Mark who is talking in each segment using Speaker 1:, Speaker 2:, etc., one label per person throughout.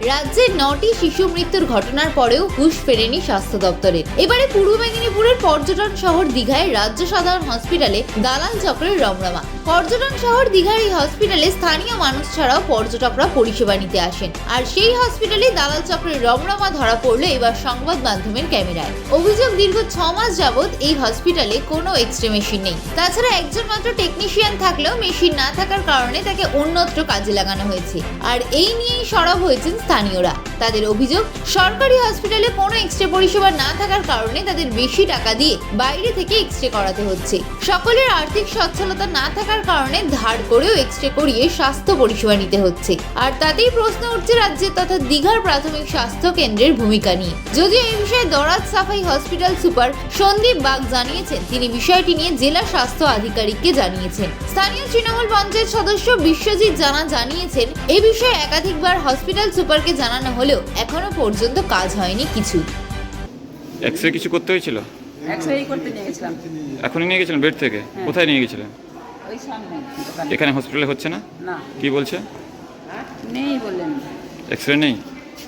Speaker 1: রাজ্যে 9টি শিশু মৃত্যুর ঘটনার পরেও হুঁশ ফেরেনি স্বাস্থ্য দপ্তরের। এবারে পূর্ব মেদিনীপুরের পর্যটন শহর দীঘায় রাজ্য সাধারণ হসপিটালে দালাল চক্রের রমরমা। পর্যটন শহর দীঘার এই হসপিটালে স্থানীয় মানুষ ছাড়াও পর্যটকরা পরিষেবা নিতে আসেন, আর সেই হসপিটালে দালাল চক্রের রমরমা ধরা পড়লো এবার সংবাদ মাধ্যমের ক্যামেরায়। অভিযোগ, দীর্ঘ 6 মাস যাবৎ এই হসপিটালে কোনো এক্সরে মেশিন নেই। তাছাড়া একজন মাত্র টেকনিশিয়ান থাকলেও মেশিন না থাকার কারণে তাকে অন্যত্র কাজে লাগানো হয়েছে। আর এই নিয়েই সরব হয়েছেন স্থানীয়রা। তাদের অভিযোগ, সরকারি হসপিটালে কোনো এক্সরে পরিষেবা না থাকার কারণে তাদের বেশি টাকা দিয়ে বাইরে থেকে এক্সরে করাতে হচ্ছে। সকলের আর্থিক সচ্ছলতা না থাকার কারণে ধার করেও এক্সরে করিয়ে স্বাস্থ্য পরিষেবা নিতে হচ্ছে। আর তাতেই প্রশ্ন উঠছে রাজ্যের তথা দীঘার প্রাথমিক স্বাস্থ্য কেন্দ্রের ভূমিকা নিয়ে। যদিও এই বিষয়ে দরাজ সাফাই হসপিটাল সুপার সন্দীপ বাগ জানিয়েছেন, তিনি বিষয়টি নিয়ে জেলা স্বাস্থ্য আধিকারিককে জানিয়েছেন। স্থানীয় তৃণমূল পঞ্চায়েত সদস্য বিশ্বজিৎ জানা জানিয়েছেন, এ বিষয়ে একাধিকবার হসপিটাল সুপারকে জানানো হলেও এখনো পর্যন্ত কাজ হয়নি কিছু।
Speaker 2: এক্সরে কিছু করতে হয়েছিল?
Speaker 3: এক্সরে করতে নিয়ে গেছিলাম।
Speaker 2: এখনই নিয়ে গেছিলেন বেড থেকে? কোথায় নিয়ে গেছিলেন?
Speaker 3: ওই সামনে।
Speaker 2: এখানে হসপিটালে হচ্ছে না?
Speaker 3: না,
Speaker 2: কি বলছে?
Speaker 3: নেই বললেন।
Speaker 2: এক্সরে নেই?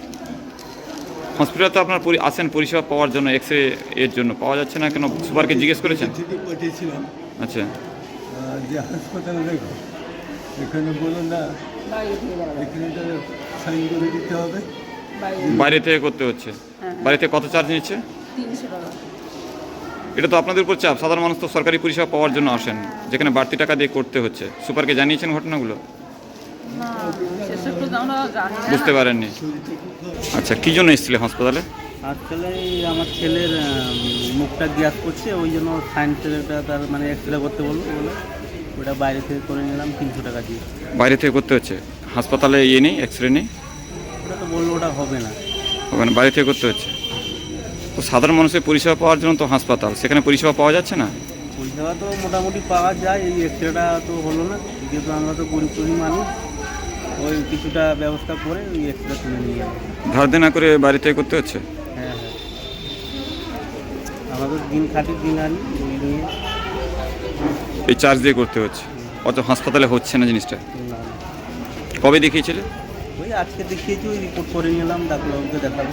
Speaker 2: হসপিটাল তো আপনার আসেন পরিষেবা পাওয়ার জন্য, এক্সরে এর জন্য পাওয়া যাচ্ছে না কেন? সুপারকে জিজ্ঞেস করেছেন?
Speaker 4: পাঠিয়েছিলাম
Speaker 2: আচ্ছা,
Speaker 4: যে হাসপাতালে দেখো, এখানে বলো না,
Speaker 3: বাইরে থেকে যাওয়া যাবে।
Speaker 4: এখানে তো সাইন করে দিতে হবে।
Speaker 2: বাইরে থেকে করতে হচ্ছে। বাইরে থেকে কত চার্জ নিচ্ছে?
Speaker 3: 300 টাকা।
Speaker 2: এটা তো আপনাদের উপর চাপ। সাধারণ মানুষ তো সরকারি পরিষেবা পাওয়ার জন্য আসেন, যেখানে বাড়তি টাকা দিয়ে করতে হচ্ছে। সুপারকে জানিয়েছেন ঘটনাগুলো?
Speaker 3: না, সেসব তো আমরা জানি না।
Speaker 2: বুঝতে পারেননি? আচ্ছা, কী জন্য এসেছিলেন হাসপাতালে?
Speaker 5: আজকালে আমার ছেলের মুখটা গ্যাস করছে, ওই জন্য সায়েন্সেরটা তার মানে এক্সরে করতে বলে ওটা বাইরে থেকে করে নিলাম 300 টাকা দিয়ে।
Speaker 2: বাইরে থেকে করতে হচ্ছে? হাসপাতালে ইয়ে নেই, এক্সরে নেই?
Speaker 5: ওটা তো বললো ওটা হবে না।
Speaker 2: হবে না, বাইরে থেকে করতে হচ্ছে। তো সাধারণ মানুষের পরিষেবা পাওয়ার জন্য তো হাসপাতাল, সেখানে পরিষেবা পাওয়া যাচ্ছে না?
Speaker 5: পরিষেবা তো মোটামুটি পাওয়া যায়, এই এক্সরেটা তো হলো না, যেহেতু আমরা তো গরিব মানুষ, ওই কিছুটা ব্যবস্থা করে ওই এক্সরে তুলে নিয়ে যাবো।
Speaker 2: ধার দেনা করে বাইরে থেকে করতে হচ্ছে?
Speaker 5: হ্যাঁ হ্যাঁ, আমাদের দিন খাটি দিন আনি ওই নিয়ে।
Speaker 2: এই চার্জ দিয়ে করতে হচ্ছে, অত হাসপাতালে হচ্ছে না জিনিসটা।
Speaker 5: না,
Speaker 2: কবে দেখিয়েছিলে?
Speaker 5: ওই আজকে দেখিয়েছি, ওই রিপোর্ট করে নিলাম, ডাক্তারবাবুকে দেখাবো।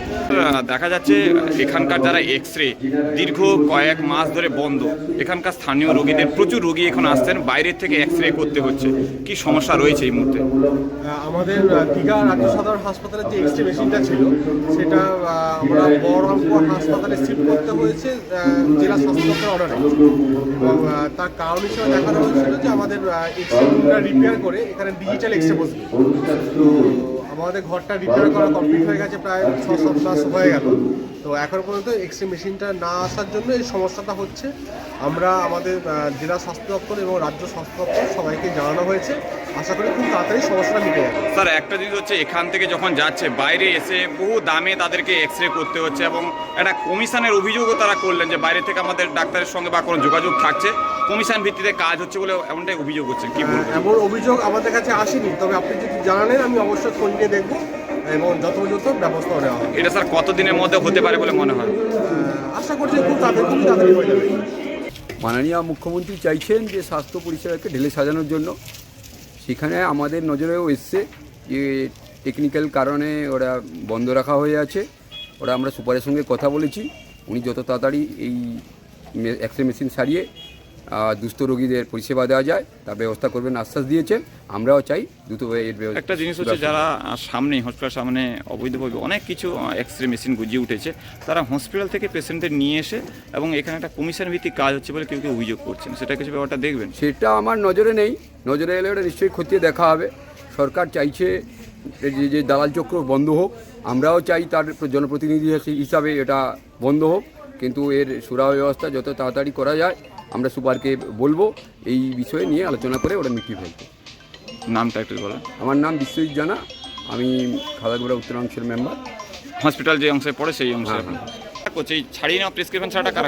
Speaker 2: দেখা যাচ্ছে এখানকার যারা এক্সরে দীর্ঘ কয়েক মাস ধরে বন্ধ। এখানকার স্থানীয় রোগীদের প্রচুর রোগী এখন আসছেন, বাইরের থেকে এক্সরে করতে হচ্ছে। কি সমস্যা রয়েছে এই মুহূর্তে?
Speaker 6: আমাদের দীঘা রাজ্য সাধারণ হাসপাতালের যে এক্সরে মেশিনটা ছিল, সেটা আমরা বহরমপুর হাসপাতালে শিফট করতে হয়েছে জেলা স্বাস্থ্য দপ্তরের অর্ডারে। এবং তার কারণ হিসেবে দেখানো হয়েছিল যে আমাদের এক্সরেটা রিপেয়ার করে এখানে ডিজিটাল এক্সরে বসবে। তো আমাদের ঘরটা রিপেয়ার করা কমপ্লিট হয়ে গেছে, প্রায় 6-7 মাস হয়ে গেল। তো এখন পর্যন্ত এক্সরে মেশিনটা না আসার জন্য এই সমস্যাটা হচ্ছে। আমরা আমাদের জেলা স্বাস্থ্য দপ্তর এবং রাজ্য স্বাস্থ্য দপ্তর সবাইকে জানানো হয়েছে। আশা করি খুব তাড়াতাড়ি সমস্যাটা মিটে যাবে।
Speaker 2: স্যার, একটা জিনিস হচ্ছে এখান থেকে যখন যাচ্ছে বাইরে এসে বহু দামে তাদেরকে এক্সরে করতে হচ্ছে, এবং একটা কমিশনের অভিযোগও তারা করলেন যে বাইরে থেকে আমাদের ডাক্তারের সঙ্গে বা কোনো যোগাযোগ থাকছে, কমিশন ভিত্তিতে কাজ হচ্ছে বলে এমনটাই অভিযোগ হচ্ছে। কি বলবো?
Speaker 6: এমন অভিযোগ আমাদের কাছে আসেনি, তবে আপনি যদি জানালেন আমি অবশ্যই খোঁজ নিয়ে দেখবো এবং যথাযথ ব্যবস্থা নেওয়া হবে।
Speaker 2: এটা স্যার কতদিনের মধ্যে হতে পারে বলে মনে হয়?
Speaker 6: আশা করছি খুব তাড়াতাড়ি হয়ে যাবে।
Speaker 7: মাননীয় মুখ্যমন্ত্রী চাইছেন যে স্বাস্থ্য পরিষেবাকে ঢেলে সাজানোর জন্য। সেখানে আমাদের নজরেও এসছে যে টেকনিক্যাল কারণে ওরা বন্ধ রাখা হয়ে আছে। ওরা আমরা সুপারের সঙ্গে কথা বলেছি, উনি যত তাড়াতাড়ি এই এক্সরে মেশিন সারিয়ে দুস্থ রোগীদের পরিষেবা দেওয়া যায় তার ব্যবস্থা করবেন আশ্বাস দিয়েছেন। আমরাও চাই দ্রুত এর ব্যবস্থা।
Speaker 2: একটা জিনিস হচ্ছে, যারা সামনে হসপিটাল সামনে অবৈধভাবে অনেক কিছু এক্সরে মেশিন গুজিয়ে উঠেছে, তারা হসপিটাল থেকে পেশেন্টদের নিয়ে এসে এবং এখানে একটা কমিশন ভিত্তিক কাজ হচ্ছে বলে কেউ কেউ অভিযোগ করছেন। সেটা কিছু ব্যাপারটা দেখবেন?
Speaker 7: সেটা আমার নজরে নেই, নজরে এলে ওটা নিশ্চয়ই খতিয়ে দেখা হবে। সরকার চাইছে যে দালাল চক্র বন্ধ হোক, আমরাও চাই তার জনপ্রতিনিধি হিসাবে এটা বন্ধ হোক, কিন্তু এর সুরাহা ব্যবস্থা যত তাড়াতাড়ি করা যায় আমরা সুপারকে বলবো এই বিষয়ে নিয়ে আলোচনা করে ওটা মিটিয়ে ফেলতে।
Speaker 2: নামটা একটু বলেন।
Speaker 7: আমার নাম বিশ্বজিৎ জানা, আমি খাদাগুড়া উত্তরাংশের মেম্বার।
Speaker 2: হসপিটাল যে অংশে পড়ে সেই অংশে করছে এই ছাড়িয়ে নেওয়া প্রেসক্রিপশন ছাড়া কারা?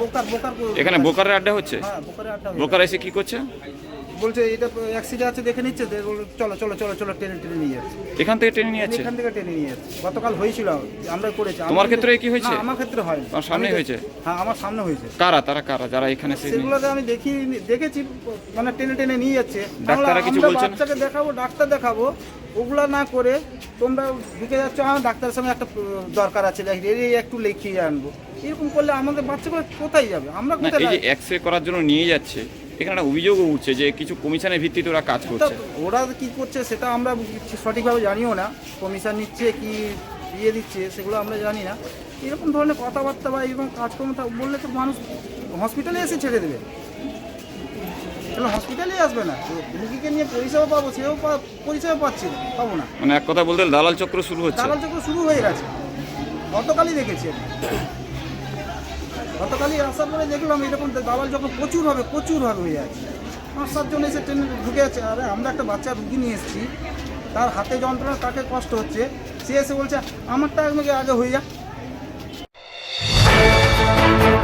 Speaker 2: এখানে বোকারের আড্ডা হচ্ছে? বোকার এসে কি করছে?
Speaker 8: বলছে এটা অ্যাক্সিডেন্ট আছে দেখে নিচ্ছে, চলো চলো চলো চলো টেনে টেনে নিয়ে যাচ্ছে।
Speaker 2: এখান থেকে টেনে নিয়ে যাচ্ছে?
Speaker 8: এখান থেকে টেনে নিয়ে যাচ্ছে। গতকাল হয়েছিল, আমরা করেছি।
Speaker 2: তোমার ক্ষেত্রে কি হয়েছে?
Speaker 8: আমার ক্ষেত্রে হয়।
Speaker 2: তোমার সামনে হয়েছে?
Speaker 8: হ্যাঁ, আমার সামনে হয়েছে।
Speaker 2: তারা কারা যারা এখানে?
Speaker 8: সেগুলোকে আমি দেখেছি, মানে টেনে টেনে নিয়ে যাচ্ছে।
Speaker 2: ডাক্তাররা কিছু বলছেন?
Speaker 8: বাচ্চাকে দেখাবো, ডাক্তার দেখাবো, ওগুলো না করে তোমরা ঢুকে যাচ্ছ, আমার ডাক্তারের সঙ্গে একটা দরকার আছে, এই একটু লিখিয়ে আনবো, এরকম করলে আমাদের বাচ্চাগুলো কোথায় যাবে? আমরা
Speaker 2: না
Speaker 8: কোথায়
Speaker 2: এই যে এক্স রে করার জন্য নিয়ে যাচ্ছে, এখানে একটা অভিযোগও উঠছে যে কিছু কমিশনের ভিত্তিতে ওরা কাজ করছে।
Speaker 8: ওরা কি করছে সেটা আমরা সঠিকভাবে জানিও না, কমিশন নিচ্ছে কি দিয়ে দিচ্ছে সেগুলো আমরা জানি না। এরকম ধরনের কথাবার্তা বা এরকম কাজকর্ম বললে তো মানুষ হসপিটালে এসে ছেড়ে দেবে, তাহলে হসপিটালে আসবে না, রুগীকে নিয়ে পরিষেবা পাবো সেও পরিষেবা পাচ্ছি না, পাবো না।
Speaker 2: মানে এক কথা বলতে দালাল চক্র শুরু হচ্ছে।
Speaker 8: দালাল চক্র শুরু হয়ে গেছে, গতকালই দেখেছি আমি। গতকালই আসার পরে দেখলাম এরকম দালাল চক্র প্রচুর হবে হয়ে আছে। 5-7 জন এসে ট্রেনে ঢুকে আছে। আরে আমরা একটা বাচ্চা রুগী নিয়ে এসেছি, তার হাতে যন্ত্রণা, তাকে কষ্ট হচ্ছে, সে এসে বলছে আমারটা আগে হয়ে যা।